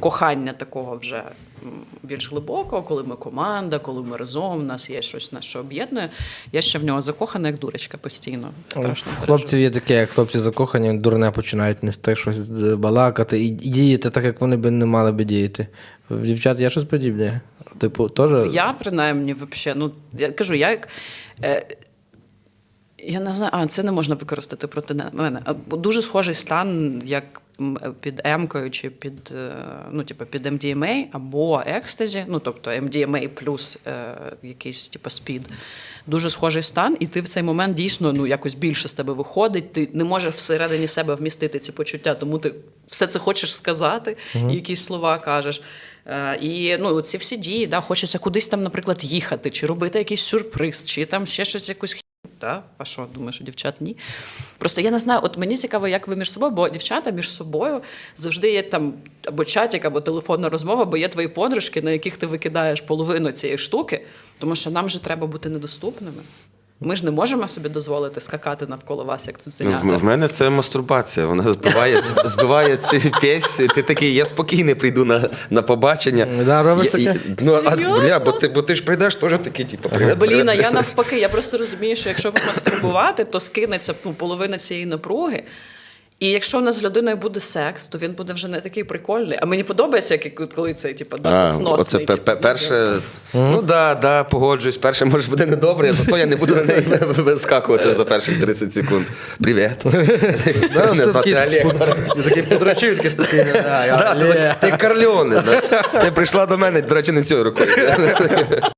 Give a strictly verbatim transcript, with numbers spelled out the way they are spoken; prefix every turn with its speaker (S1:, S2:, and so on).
S1: кохання такого вже більш глибокого, коли ми команда, коли ми разом, у нас є щось, нас що об'єднує. Я ще в нього закохана, як дурочка постійно. Страшно.
S2: В хлопців є таке, як хлопці закохані, дурне починають нести щось балакати і, і діяти так, як вони б не мали би діяти. В дівчат є щось подібне? Типу, теж...
S1: Я, принаймні, взагалі, ну, я кажу, я як... Е, я не знаю, а, це не можна використати проти мене. Дуже схожий стан, як під емкою чи під, ну, типу, під ем ді ем ей або екстазі, ну, тобто ем ді ем ей плюс е, якийсь типу спід. Дуже схожий стан, і ти в цей момент дійсно ну, якось більше з тебе виходить, ти не можеш всередині себе вмістити ці почуття, тому ти все це хочеш сказати, угу. і якісь слова кажеш. Е, і ну, ці всі дії, да, хочеться кудись там, наприклад, їхати, чи робити якийсь сюрприз, чи там ще щось якусь. Да? А що, думаєш, у дівчат ні? Просто я не знаю, от мені цікаво, як ви між собою, бо дівчата між собою завжди є там або чатик, або телефонна розмова, бо є твої подружки, на яких ти викидаєш половину цієї штуки, тому що нам же треба бути недоступними. Ми ж не можемо собі дозволити скакати навколо вас, як цуценята.
S3: В, в мене це мастурбація. Вона збиває, збиває ці пісні. Ти такий, я спокійний прийду на, на побачення.
S2: Да, робиш
S3: я,
S2: таке?
S3: і, ну, а, бля, бо, ти, бо ти ж прийдеш теж такий, типу, привіт,
S1: Блін, а
S3: привіт.
S1: я навпаки, я просто розумію, що якщо помастурбувати, то скинеться ну, половина цієї напруги. І якщо у нас з людиною буде секс, то він буде вже не такий прикольний. А мені подобається, як коли цей типу,
S3: А,
S1: сносний.
S3: оце типу, перше, ну да, да, погоджуюсь. Перше, може, буде недобре, зато я не буду на неї вискакувати за перших тридцять секунд. Привіт.
S2: Я такий подрочив, такий спокійний.
S3: Ти Карльоне. Ти прийшла до мене, до речі, не цією рукою.